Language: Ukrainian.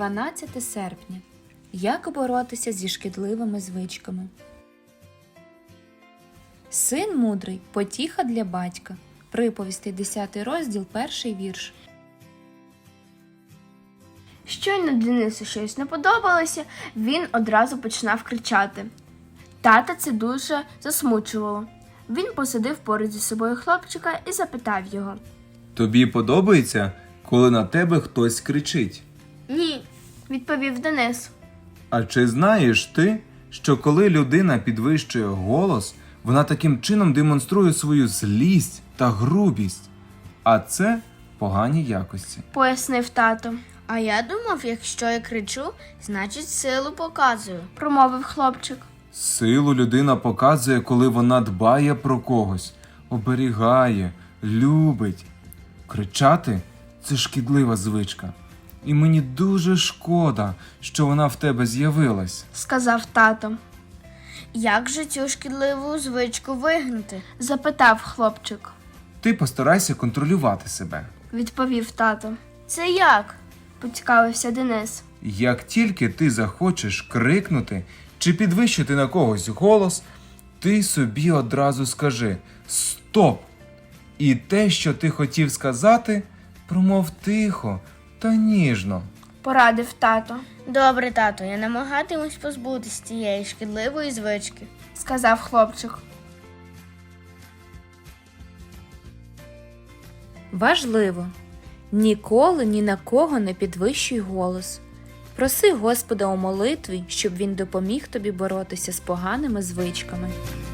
12 серпня. Як боротися зі шкідливими звичками? Син мудрий – потіха для батька. Приповістей, 10 розділ, 1 вірш. Щойно Денису щось не подобалося, він одразу починав кричати. Тата це дуже засмучувало. Він посадив поруч зі собою хлопчика і запитав його. Тобі подобається, коли на тебе хтось кричить? «Ні», – відповів Денис. А чи знаєш ти, що коли людина підвищує голос, вона таким чином демонструє свою злість та грубість? А це погані якості. Пояснив тато. А я думав, якщо я кричу, значить силу показую. Промовив хлопчик. Силу людина показує, коли вона дбає про когось, оберігає, любить. Кричати – це шкідлива звичка. І мені дуже шкода, що вона в тебе з'явилась. Сказав тато. Як же цю шкідливу звичку вигнати? Запитав хлопчик. Ти постарайся контролювати себе. Відповів тато. Це як? Поцікавився Денис. Як тільки ти захочеш крикнути чи підвищити на когось голос, ти собі одразу скажи «Стоп!» І те, що ти хотів сказати, промов тихо та ніжно. Порадив тато. Добре, тато, я намагатимусь позбутись цієї шкідливої звички. Сказав хлопчик. Важливо! Ніколи ні на кого не підвищуй голос. Проси Господа у молитві, щоб Він допоміг тобі боротися з поганими звичками.